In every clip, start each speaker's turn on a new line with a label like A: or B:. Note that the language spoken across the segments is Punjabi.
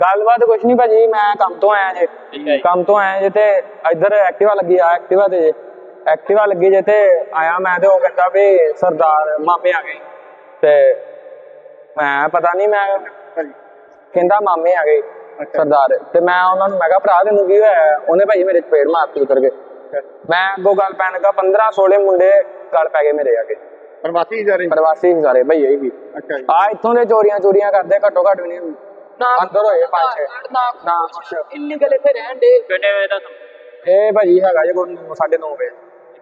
A: ਗੱਲਬਾਤ ਕੁਛ ਨਹੀਂ ਭਾਜੀ, ਮੈਂ ਕੰਮ ਤੋਂ ਆਇਆ ਜੇ। ਕੰਮ ਤੋਂ ਆਇਆ ਜੇ ਤੇ ਇੱਧਰ ਐਕਟਿਵਾ ਲੱਗੀ ਆ, ਐਕਟਿਵਾ ਤੇ ਐਕਟਿਵਾ ਲੱਗੀ ਜੇ ਤੇ ਆਇਆ ਮੈਂ ਤੇ ਉਹ ਕਹਿੰਦਾ ਵੀ ਸਰਦਾਰ ਮਾਮੇ ਆ ਗਏ ਤੇ ਮੈਂ ਪਤਾ ਨਹੀਂ, ਮੈਂ ਕਹਿੰਦਾ ਮਾਮੇ ਆ ਗਏ ਸਰਦਾਰ ਤੇ ਮੈਂ ਉਹਨਾਂ ਨੂੰ ਮੈਂ ਕਿਹਾ ਭਰਾ ਤੈਨੂੰ ਕੀ ਹੋਇਆ? ਉਹਨੇ ਭਾਜੀ ਮੇਰੇ ਚਪੇੜ ਮਾਰਤੀ ਉਤਰ ਕੇ। ਮੈਂ ਅੱਗੋਂ ਗੱਲ ਪੈਣ ਲੱਗਾ 15-16 ਮੁੰਡੇ ਗੱਲ ਪੈ ਗਏ ਮੇਰੇ ਆ ਕੇ।
B: ਪ੍ਰਵਾਸੀ ਸਾਰੇ
A: ਸਾਰੇ ਭਈਏ ਹੀ ਆ ਇੱਥੋਂ ਦੇ ਚੋਰੀਆਂ ਕਰਦੇ ਘੱਟੋ ਘੱਟ ਵੀ ਨਹੀਂ ਅੰਦਰ ਹੋਏ 5-6 ਨਾ
C: ਇੰਨੀ ਗੱਲ ਇੱਥੇ ਰਹਿਣ ਦੇ ਕਿੰਨੇ ਵਜੇ ਦਾ
A: ਇਹ ਭਾਜੀ ਹੈਗਾ ਜੇ 9:30 ਵਜੇ।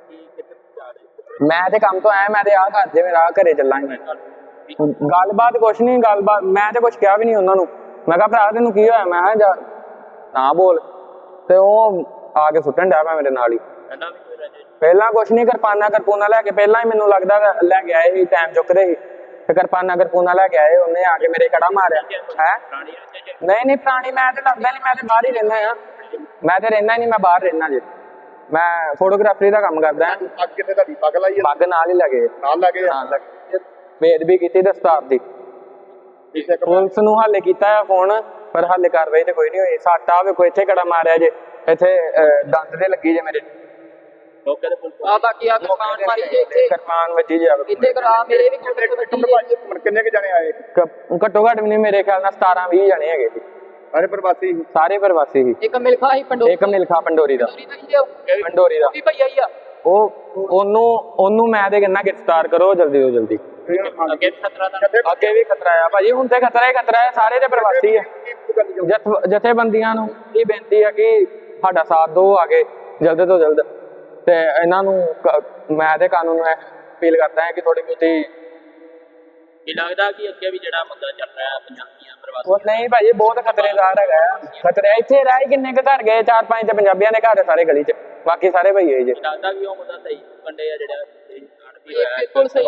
A: ਮੈਂ ਤੇ ਕੰਮ ਤੋਂ ਆਇਆ, ਮੈਂ ਤੇ ਆ ਘਰ ਜੇ ਮੇਰਾ ਘਰੇ ਚੱਲਾਂਗੇ। ਗੱਲਬਾਤ ਕੁਛ ਨਹੀਂ, ਗੱਲਬਾਤ ਮੈਂ ਤੇ ਕੁਛ ਕਿਹਾ ਵੀ ਨਹੀਂ ਉਹਨਾਂ ਨੂੰ। ਮੈਂ ਕਿਹਾ ਭਰਾ ਤੈਨੂੰ ਕੀ ਹੋਇਆ? ਮੈਂ ਕਿਹਾ ਨਾ ਬੋਲ ਤੇ ਉਹ ਆ ਕੇ ਸੁੱਟਣ ਡਿਆ ਪਿਆ ਮੇਰੇ ਨਾਲ ਹੀ। ਪਹਿਲਾਂ ਕੁਛ ਨਹੀਂ, ਕਿਰਪਾਨਾ ਲੈ ਕੇ ਪਹਿਲਾਂ ਹੀ ਮੈਨੂੰ ਲੱਗਦਾ ਲੈ ਕੇ ਆਏ ਸੀ, ਟਾਈਮ ਚੁੱਕਦੇ ਸੀ ਤੇ ਕਿਰਪਾਨਾ ਲੈ ਕੇ ਆਏ। ਉਹਨੇ ਆ ਕੇ ਮੇਰੇ ਕੜਾ ਮਾਰਿਆ ਹੈ। ਨਹੀਂ ਪੁਰਾਣੀ ਮੈਂ ਤੇ ਲੱਗਦਾ ਨਹੀਂ, ਮੈਂ ਤੇ ਬਾਹਰ ਹੀ ਰਹਿੰਦਾ ਆ। ਮੈਂ ਤੇ ਰਹਿੰਦਾ ਹੀ ਨਹੀਂ, ਮੈਂ ਬਾਹਰ ਰਹਿੰਦਾ ਜੇ। ਮੈਂ ਫੋਟੋਗ੍ਰਾਫਰੀ ਦਾ ਕੰਮ ਕਰਦਾ। ਪੱਗ ਨਾਲ ਹੀ ਲੱਗੇ ਬੇਅਦਬੀ ਕੀਤੀ ਦਸਤਾਰ ਦੀ। ਪੁਲਿਸ ਨੂੰ ਹਾਲੇ ਕੀਤਾ ਆ ਫੋਨ ਪਰ ਹਾਲੇ ਕਾਰਵਾਈ ਤੇ ਕੋਈ ਨਹੀਂ ਹੋਈ। ਸੱਟ ਆ ਵੇਖੋ, ਇੱਥੇ ਕੜਾ ਮਾਰਿਆ ਜੇ, ਇੱਥੇ ਦੰਦ ਤੇ ਲੱਗੀ ਜੇ ਮੇਰੇ। ਕਿਰਪਾਨ ਵੱਜੀ ਜੇ
B: ਕਿੰਨੇ ਕੁ ਜਣੇ ਆਏ?
A: ਘੱਟੋ ਘੱਟ ਵੀ ਨਹੀਂ, ਮੇਰੇ ਖਿਆਲ ਨਾਲ 17-20 ਜਣੇ ਹੈਗੇ ਜੀ। ਸਾਰੇ ਪ੍ਰਵਾਸੀ ਸੀ।
C: ਇੱਕ ਮਿਲਖਾ
A: ਪੰਡੋਰੀ ਦਾ ਉਹਨੂੰ ਮੈਂ ਤੇ ਕਹਿੰਦਾ ਗ੍ਰਿਫਤਾਰ ਕਰੋ ਜਲਦੀ ਤੋਂ ਜਲਦੀ। ਅੱਗੇ ਵੀ ਖਤਰਾ ਆ ਭਾਜੀ, ਹੁਣ ਤੇ ਖਤਰਾ ਹੈ। ਸਾਰੇ ਦੇ ਪ੍ਰਵਾਸੀ ਆ। ਜਥੇਬੰਦੀਆਂ ਨੂੰ ਇਹ ਬੇਨਤੀ ਆ ਕਿ ਸਾਡਾ ਸਾਥ ਦਿਓ ਆ ਕੇ ਜਲਦ ਤੋਂ ਜਲਦ। ਤੇ ਇਹਨਾਂ ਨੂੰ ਮੈਂ ਤੇ ਕਾਨੂੰਨ ਨੂੰ ਅਪੀਲ ਕਰਦਾ ਹਾਂ ਕਿ ਥੋੜੀ ਬਹੁਤੀ
C: ਲੱਗਦਾ ਕਿ ਅੱਗੇ ਵੀ ਜਿਹੜਾ ਮੁੱਦਾ ਚੱਲ ਰਿਹਾ ਪੰਜਾਬੀਆਂ ਪ੍ਰਵਾਸੀ
A: ਉਹ ਨਹੀਂ ਭਾਜੀ, ਬਹੁਤ ਖਤਰੇਦਾਰ ਹੈਗਾ। ਖਤਰੇ ਇੱਥੇ ਰਹਿ ਕਿੰਨੇ ਕੁ ਘਰ ਗਏ? 4-5 ਤੇ ਪੰਜਾਬੀਆਂ ਦੇ ਘਰ ਸਾਰੇ ਗਲੀ ਚ, ਬਾਕੀ ਸਾਰੇ ਭਈਏ ਜੀ।
C: ਲੱਗਦਾ ਕਿ ਉਹ ਮੁੱਦਾ ਸਹੀ ਕੰਡੇ ਆ ਜਿਹੜਾ
A: ਬਿਲਕੁਲ ਸਹੀ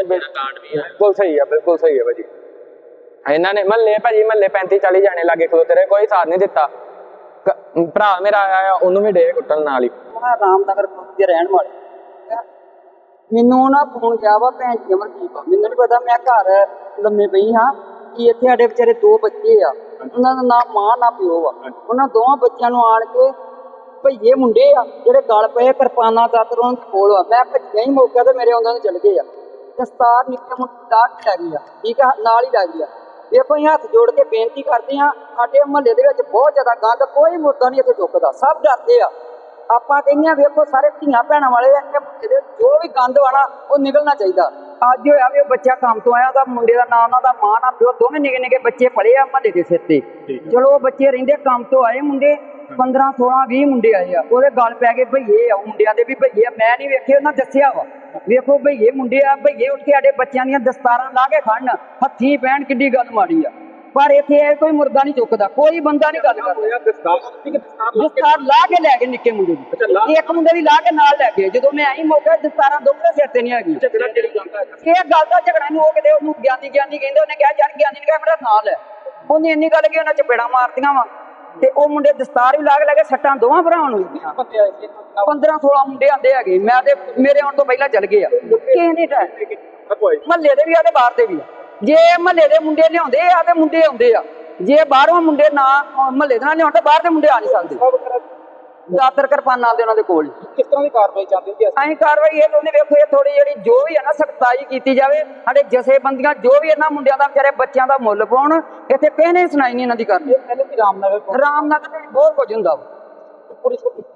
A: ਹੈ ਭਾਜੀ। ਇਹਨਾਂ ਨੇ ਮਹੱਲੇ 35-40 ਜਾਣੇ ਲਾਗੇ ਖਲੋਤੇ ਰਹੇ, ਕੋਈ ਸਾਥ ਨਹੀਂ ਦਿੱਤਾ। ਭਰਾ ਮੇਰਾ ਆਇਆ, ਉਹਨੂੰ ਵੀ ਡੇ ਕੁੱਟਣ ਨਾਲ ਹੀ।
D: ਰਾਮਨਗਰ ਦੇ ਰਹਿਣ ਵਾਲੇ ਮੈਨੂੰ ਨਾ ਫੋਨ ਗਿਆ ਵਾ ਭੈਣ ਜੀ ਅਮਰਦੀਪ। ਮੈਨੂੰ ਨੀ ਪਤਾ, ਮੈਂ ਘਰ ਲੰਮੇ ਪਈ ਹਾਂ ਕਿ ਇੱਥੇ ਸਾਡੇ ਵਿਚਾਰੇ 2 ਬੱਚੇ ਆ, ਉਹਨਾਂ ਦਾ ਨਾ ਮਾਂ ਨਾ ਪਿਓ ਆ। ਉਹਨਾਂ ਦੋਵਾਂ ਬੱਚਿਆਂ ਨੂੰ ਆਣ ਕੇ ਭਈਏ ਮੁੰਡੇ ਆ ਜਿਹੜੇ ਗਲ ਪਏ, ਕਿਰਪਾਨਾਂ ਦਾਤਰ ਉਹਨਾਂ ਦੇ ਕੋਲ ਆ। ਮੈਂ ਭੱਜਿਆ ਹੀ ਮੌਕੇ ਤੇ ਮੇਰੇ ਉਹਨਾਂ ਨੂੰ ਚਲ ਗਏ ਆ। ਦਸਤਾਰ ਨਿੱਕੇ ਮੁੰਡੇ ਦਾ ਲੱਗ ਗਈ ਆ, ਠੀਕ ਆ, ਨਾਲ ਹੀ ਲੱਗ ਗਈ ਆ। ਵੇਖੋ ਅਸੀਂ ਹੱਥ ਜੋੜ ਕੇ ਬੇਨਤੀ ਕਰਦੇ ਹਾਂ, ਸਾਡੇ ਮੁਹੱਲੇ ਦੇ ਵਿੱਚ ਬਹੁਤ ਜ਼ਿਆਦਾ ਗੰਦ, ਕੋਈ ਮੁੱਦਾ ਨਹੀਂ ਇੱਥੇ ਚੁੱਕਦਾ, ਸਭ ਡਰਦੇ ਆ। ਆਪਾਂ ਕਹਿੰਦੇ ਹਾਂ ਵੇਖੋ ਸਾਰੇ ਧੀਆਂ ਭੈਣਾਂ ਵਾਲੇ ਜੋ ਵੀ ਗੰਦ ਵਾਣਾ ਉਹ ਨਿਕਲਣਾ ਚਾਹੀਦਾ। ਅੱਜ ਹੋਇਆ ਵੀ ਉਹ ਬੱਚਾ ਕੰਮ ਤੋਂ ਆਇਆ, ਉਹਦਾ ਮੁੰਡੇ ਦਾ ਨਾਂ, ਉਹਨਾਂ ਦਾ ਮਾਂ ਨਾ ਪਿਓ, ਦੋਵੇਂ ਨਿੱਕੇ ਬੱਚੇ ਪੜੇ ਆ ਮੁਹੱਲੇ ਦੇ ਸਿਰ ਤੇ। ਚਲੋ ਉਹ ਬੱਚੇ ਰਹਿੰਦੇ ਕੰਮ ਤੋਂ ਆਏ ਮੁੰਡੇ 15-16-20 ਮੁੰਡੇ ਆਏ ਆ, ਉਹਦੇ ਗਲ ਪੈ ਗਏ ਭਈਏ ਆ। ਮੁੰਡਿਆਂ ਦੇ ਵੀ ਭਈਏ, ਮੈਂ ਨਹੀਂ ਵੇਖੇ, ਉਹਨਾਂ ਦੱਸਿਆ ਵਾ। ਵੇਖੋ ਭਈਏ ਮੁੰਡੇ ਆ, ਭਈਏ ਉੱਠ ਕੇ ਸਾਡੇ ਬੱਚਿਆਂ ਦੀਆਂ ਦਸਤਾਰਾਂ ਲਾ ਕੇ ਖੜਨ, ਹੱਥੀਂ ਪੈਣ, ਕਿੱਡੀ ਗੱਲ ਮਾੜੀ ਆ। ਪਰ ਇੱਥੇ ਕੋਈ ਮੁਰਦਾ ਨਹੀਂ ਚੁੱਕਦਾ, ਕੋਈ ਬੰਦਾ ਨਹੀਂ ਗੱਲ ਕਰਦਾ। ਦਸਤਾਰ ਲਾ ਕੇ ਲੈ ਗਏ ਨਿੱਕੇ ਮੁੰਡੇ ਦੀ, ਇੱਕ ਮੁੰਡੇ ਦੀ ਲਾ ਕੇ ਨਾਲ ਲੈ ਗਏ। ਜਦੋਂ ਮੈਂ ਆਈ ਮੌਕੇ ਦਸਤਾਰਾਂ ਦੋਵੇਂ ਸਿਰ ਤੇ ਨਹੀਂ ਹੈਗੀ। ਇਹ ਗੱਲ ਦਾ ਝਗੜਾ ਨੂੰ ਉਹ ਕਿਤੇ ਉਹਨੂੰ ਗਿਆਨੀ ਕਹਿੰਦੇ, ਉਹਨੇ ਕਿਹਾ ਯਾਰ ਗਿਆਨੀ ਨੇ ਕਿਹਾ ਮੇਰਾ ਨਾਂ ਲੈ। ਉਹਨੇ ਇੰਨੀ ਗੱਲ ਕਿ ਉਹਨਾਂ ਚਪੇੜਾਂ ਮਾਰਤੀਆਂ ਵਾ ਤੇ ਉਹ ਮੁੰਡੇ ਦਸਤਾਰ ਵੀ ਲਾ ਕੇ ਲੈ ਗਏ। ਸੱਟਾਂ ਦੋਵਾਂ ਭਰਾਵਾਂ ਨੂੰ 15-16 ਮੁੰਡੇ ਆਂਦੇ ਹੈਗੇ। ਮੈਂ ਤੇ ਮੇਰੇ ਆਉਣ ਤੋਂ ਪਹਿਲਾਂ ਚੱਲ ਗਏ ਆ। ਕਿਸੇ ਨੇ ਮਹੱਲੇ ਦੇ ਵੀ ਆ ਤੇ ਬਾਹਰ ਦੇ ਵੀ ਆ। ਜੇ ਮਹੱਲੇ ਦੇ ਮੁੰਡੇ ਲਿਆਉਂਦੇ ਆ ਤੇ ਮੁੰਡੇ ਆਉਂਦੇ ਆ, ਜੇ ਬਾਹਰੋਂ ਮੁੰਡੇ ਨਾ ਮਹੱਲੇ ਦੇ ਨਾਲ ਲਿਆਉਣ ਤਾਂ ਬਾਹਰ ਦੇ ਮੁੰਡੇ ਆ ਨਹੀਂ ਸਕਦੇ। ਦਾਤਰ ਕਿਰਪਾਨਾਂ ਦੇ ਉਹਨਾਂ ਦੇ ਕੋਲ।
B: ਕਿਸ ਤਰ੍ਹਾਂ ਦੀ ਕਾਰਵਾਈ ਚਾਹੁੰਦੇ ਜੀ?
D: ਅਸੀਂ ਕਾਰਵਾਈ ਇਹ ਕਹਿੰਦੇ ਵੇਖੋ, ਇਹ ਥੋੜੀ ਜਿਹੜੀ ਜੋ ਵੀ ਹੈ ਨਾ ਸਖਤਾਈ ਕੀਤੀ ਜਾਵੇ। ਸਾਡੇ ਜਥੇਬੰਦੀਆਂ ਜੋ ਵੀ ਇਹਨਾਂ ਮੁੰਡਿਆਂ ਦਾ ਵਿਚਾਰੇ ਬੱਚਿਆਂ ਦਾ ਮੁੱਲ ਪਾਉਣ। ਇੱਥੇ ਕਿਸੇ ਨੇ ਸੁਣਾਈ ਨਹੀਂ ਇਹਨਾਂ ਦੀ ਕਰਨੀ। ਰਾਮਨਗਰ ਵਿੱਚ ਬਹੁਤ ਕੁਝ ਹੁੰਦਾ ਵਾ।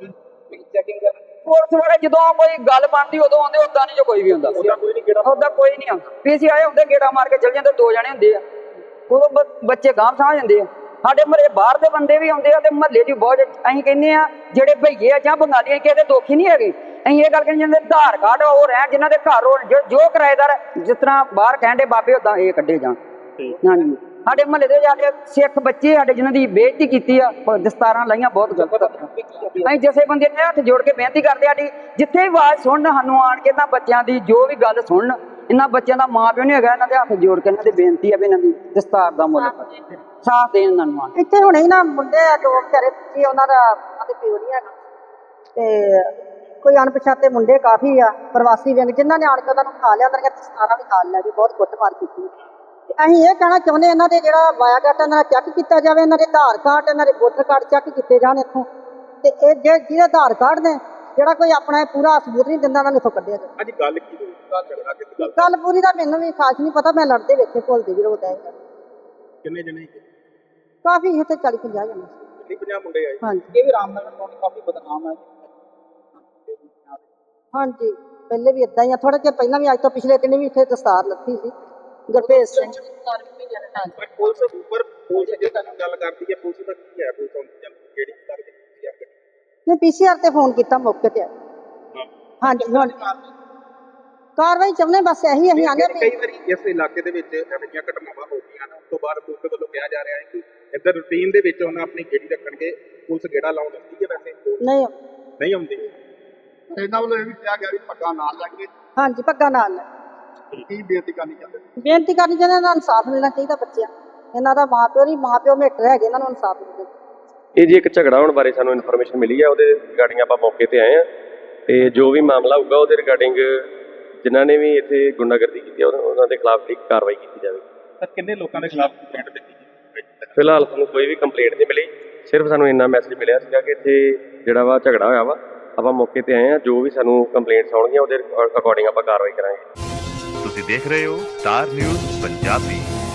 D: ਪੁਲਿਸ ਵਾਲੇ ਜਦੋਂ ਕੋਈ ਗੱਲ ਬਣਦੀ ਉਦੋਂ ਆਉਂਦੇ, ਉਦਾਂ ਨਹੀਂ ਜੋ ਕੋਈ ਵੀ ਹੁੰਦਾ। ਉਦਾਂ ਕੋਈ ਨਹੀਂ ਆਉਂਦਾ। ਪੀਸੀ ਆਏ ਹੁੰਦੇ, ਗੇੜਾ ਮਾਰ ਕੇ ਚਲ ਜਾਂਦੇ, 2 ਜਣੇ ਹੁੰਦੇ ਆ, ਉਦੋਂ ਬੱਚੇ ਗਾਂਹ ਸਾਹ ਜਾਂਦੇ ਆ। ਸਾਡੇ ਮਹੱਲੇ ਬਾਹਰ ਦੇ ਬੰਦੇ ਵੀ ਆਉਂਦੇ ਆ ਤੇ ਮਹੱਲੇ ਦੀ ਬਹੁਤ ਅਸੀਂ ਕਹਿੰਦੇ ਆ ਜਿਹੜੇ ਭਈਏ ਆ ਜਾਂ ਬੰਗਾਲੀਆਂ ਕਿਸੇ ਦੇ ਦੋਖੀ ਨਹੀਂ ਹੈਗੇ। ਅਸੀਂ ਇਹ ਗੱਲ ਕਹਿੰਦੇ ਜਿਹਨਾਂ ਦੇ ਆਧਾਰ ਕਾਰਡ ਉਹ ਰਹਿਣ, ਜਿਨ੍ਹਾਂ ਦੇ ਘਰ ਜੋ ਕਿਰਾਏਦਾਰ ਜਿਸ ਤਰ੍ਹਾਂ ਬਾਹਰ ਕਹਿੰਦੇ ਬਾਬੇ ਉਦਾਂ ਇਹ ਕੱਢੇ ਜਾਣ। ਹਾਂਜੀ, ਸਾਡੇ ਮਹੱਲੇ ਦੇ ਜਾ ਕੇ ਸਿੱਖ ਬੱਚੇ ਸਾਡੇ ਜਿਨ੍ਹਾਂ ਦੀ ਬੇਇੱਜ਼ਤੀ ਕੀਤੀ ਆ, ਦਸਤਾਰਾਂ ਲਾਈਆਂ, ਬਹੁਤ ਗਲਤ। ਅਸੀਂ ਜਿਸੇ ਬੰਦੇ ਨੇ ਹੱਥ ਜੋੜ ਕੇ ਬੇਨਤੀ ਕਰਦੇ, ਸਾਡੀ ਜਿੱਥੇ ਵੀ ਆਵਾਜ਼ ਸੁਣਨ, ਸਾਨੂੰ ਆਣ ਕੇ ਇਹਨਾਂ ਬੱਚਿਆਂ ਦੀ ਜੋ ਵੀ ਗੱਲ ਸੁਣਨ। ਇਹਨਾਂ ਬੱਚਿਆਂ ਦਾ ਮਾਂ ਪਿਓ ਨਹੀਂ ਹੈਗਾ, ਇਹਨਾਂ ਦੇ ਹੱਥ ਜੋੜ ਕੇ ਇਹਨਾਂ ਦੀ ਬੇਨਤੀ ਆ ਵੀ ਇਹਨਾਂ ਦੀ ਦਸਤਾਰ ਦਾ ਮੁੱਲ ਸਾਥ ਦੇਣ ਇਹਨਾਂ ਨੂੰ।
E: ਇੱਥੇ ਹੁਣੇ ਨਾ ਮੁੰਡੇ ਆ ਦੋ ਵਿਚਾਰੇ ਬੱਚੇ, ਉਹਨਾਂ ਦਾ ਪਿਓ ਨਹੀਂ ਹੈਗਾ ਤੇ ਕੋਈ ਅਣਪਛਾਤੇ ਮੁੰਡੇ ਕਾਫੀ ਆ ਪ੍ਰਵਾਸੀ ਵਿਅੰਗ, ਜਿਨ੍ਹਾਂ ਨੇ ਆਣ ਕੇ ਉਹਨਾਂ ਨੂੰ ਖਾ ਲਿਆ, ਉਹਨਾਂ ਦੀਆਂ ਦਸਤਾਰਾਂ ਵੀ ਨਾਲ ਲੈ ਗਏ, ਬਹੁਤ ਕੁੱਟਮਾਰ ਕੀਤੀ। ਅਸੀਂ ਇਹ ਕਹਿਣਾ ਚਾਹੁੰਦੇ ਇਹਨਾਂ ਦੇ ਜਿਹੜਾ ਵਾਇਆ ਡਾਟਾ ਇਹਨਾਂ ਦਾ ਚੈੱਕ ਕੀਤਾ ਜਾਵੇ, ਇਹਨਾਂ ਦੇ ਆਧਾਰ ਕਾਰਡ, ਇਹਨਾਂ ਦੇ ਵੋਟਰ ਕਾਰਡ ਚੈੱਕ ਕੀਤੇ ਜਾਣ ਇੱਥੋਂ, ਤੇ ਇਹ ਜਿਹਦੇ ਆਧਾਰ ਕਾਰਡ ਨੇ ਜਿਹੜਾ ਕੋਈ ਆਪਣਾ ਇਹ ਪੂਰਾ ਸਬੂਤ ਨਹੀਂ ਦਿੰਦਾ ਉਹਨਾਂ ਨੂੰ ਇੱਥੋਂ ਕੱਢਿਆ ਜਾਵੇ।
B: ਅੱਜ ਗੱਲ ਕੀ ਹੋਈ? ਝਗੜਾ ਕਿਸ ਗੱਲ?
E: ਗੱਲ ਪੂਰੀ ਦਾ ਮੈਨੂੰ ਵੀ ਖਾਸ ਨਹੀਂ ਪਤਾ, ਮੈਂ ਲੜਦੇ ਵੇਖੇ ਭੁੱਲਦੇ ਵੀ ਰੋਡ ਆਏ
B: ਕਿੰਨੇ ਜਣੇ?
E: ਕਾਫੀ ਇੱਥੇ 40-50 ਜਣੇ ਸੀ।
B: 50 ਮੁੰਡੇ ਆਏ।
E: ਹਾਂਜੀ
D: ਇਹ ਵੀ ਰਾਮਨਗਰ ਤੋਂ ਕਾਫੀ ਬਦਨਾਮ ਹੈ।
E: ਹਾਂਜੀ ਪਹਿਲੇ ਵੀ ਇਦਾਂ ਹੀ ਆ, ਥੋੜਾ ਚਿਰ ਪਹਿਲਾਂ ਵੀ ਅੱਜ ਤੋਂ ਪਿਛਲੇ ਦਿਨ ਵੀ ਇੱਥੇ ਦਸਤਾਰ ਲੱਥੀ ਸੀ ਗੁਰਭੇਜ ਸਿੰਘ।
B: ਪਰ ਪੁਲਿਸ ਉੱਪਰ ਪੁਲਿਸ ਜੇ ਤੁਹਾਨੂੰ ਗੱਲ ਕਰਦੀ ਹੈ, ਪੁਲਿਸ ਦਾ ਕੀ ਹੈ? ਪੁਲਿਸ ਹੁਣ ਕਿਹੜੀ ਕਰਦੀ ਹੈ?
E: ਨੇ ਪੀਸੀਆਰ ਤੇ ਫੋਨ ਕੀਤਾ, ਮੌਕੇ ਤੇ ਆਏ। ਹਾਂਜੀ ਹੁਣ ਕਾਰਵਾਈ ਚਾਹੁੰਦੇ ਬਸ ਇਹੀ ਅਸੀਂ ਆਨੇ ਵੀ
B: ਕਈ ਵਾਰੀ ਇਸ ਇਲਾਕੇ ਦੇ ਵਿੱਚ ਇਹੋ ਜਿਹੀਆਂ ਘਟਨਾਵਾਂ ਹੋ ਗਈਆਂ ਨੇ, ਉਸ ਤੋਂ ਬਾਅਦ ਪੁਲਿਸ ਵੱਲੋਂ ਕਿਹਾ ਜਾ ਰਿਹਾ ਹੈ ਕਿ ਇੱਧਰ ਰੂਟੀਨ ਦੇ ਵਿੱਚ ਉਹਨਾਂ ਆਪਣੀ ਗੇੜੀ ਰੱਖਣਗੇ, ਪੁਲਿਸ ਗੇੜਾ ਲਾਉਣ ਦਿੰਦੀ ਹੈ? ਵੈਸੇ
E: ਨਹੀਂ
B: ਆਉਂਦੀ। ਇਹਨਾਂ ਵੱਲੋਂ ਇਹ ਵੀ ਕਿਹਾ ਗਿਆ ਵੀ ਪੱਗਾਂ ਨਾਲ ਲੱਗਣਗੇ।
E: ਹਾਂਜੀ ਪੱਗਾਂ ਨਾਲ ਲੈ।
B: ਕੀ ਬੇਨਤੀ ਕਰਨੀ ਚਾਹੁੰਦੇ?
E: ਬੇਨਤੀ ਕਰਨੀ ਚਾਹੁੰਦੇ ਇਹਨਾਂ ਨੂੰ ਇਨਸਾਫ ਮਿਲਣਾ ਚਾਹੀਦਾ ਬੱਚਿਆਂ, ਇਹਨਾਂ ਦਾ ਮਾਂ-ਪਿਓ ਮੇਟਰ ਹੈਗੇ, ਇਹਨਾਂ ਨੂੰ ਇਨਸਾਫ ਮਿਲਣਾ।
F: ਇਹ ਜੀ ਇੱਕ ਝਗੜਾ ਹੋਣ ਬਾਰੇ ਸਾਨੂੰ ਇਨਫੋਰਮੇਸ਼ਨ ਮਿਲੀ ਹੈ, ਉਹਦੇ ਰਿਗਾਰਡਿੰਗ ਆਪਾਂ ਮੌਕੇ ਤੇ ਆਏ ਹਾਂ ਤੇ ਜੋ ਵੀ ਮਾਮਲਾ ਹੋਊਗਾ ਉਹਦੇ ਰਿਗਾਰਡਿੰਗ ਜਿਨ੍ਹਾਂ ਨੇ ਵੀ ਇੱਥੇ ਗੁੰਡਾਗਰਦੀ ਕੀਤੀ ਹੈ ਉਹਨਾਂ ਦੇ ਖਿਲਾਫ ਠੀਕ ਕਾਰਵਾਈ ਕੀਤੀ ਜਾਵੇ।
B: ਸਰ ਕਿੰਨੇ ਲੋਕਾਂ ਦੇ ਖਿਲਾਫ ਕੰਪਲੇਂਟ ਦਿੱਤੀ?
F: ਫਿਲਹਾਲ ਸਾਨੂੰ ਕੋਈ ਵੀ ਕੰਪਲੇਂਟ ਨਹੀਂ ਮਿਲੀ, ਸਿਰਫ ਸਾਨੂੰ ਇੰਨਾ ਮੈਸੇਜ ਮਿਲਿਆ ਸੀਗਾ ਕਿ ਇੱਥੇ ਜਿਹੜਾ ਵਾ ਝਗੜਾ ਹੋਇਆ ਵਾ, ਆਪਾਂ ਮੌਕੇ ਤੇ ਆਏ ਹਾਂ, ਜੋ ਵੀ ਸਾਨੂੰ ਕੰਪਲੇਂਟਸ ਆਉਣਗੀਆਂ ਉਹਦੇ ਅਕੋਰਡਿੰਗ ਆਪਾਂ ਕਾਰਵਾਈ ਕਰਾਂਗੇ।
G: ਤੁਸੀਂ ਦੇਖ ਰਹੇ ਹੋ ਸਟਾਰ ਨਿਊਜ਼ ਪੰਜਾਬੀ।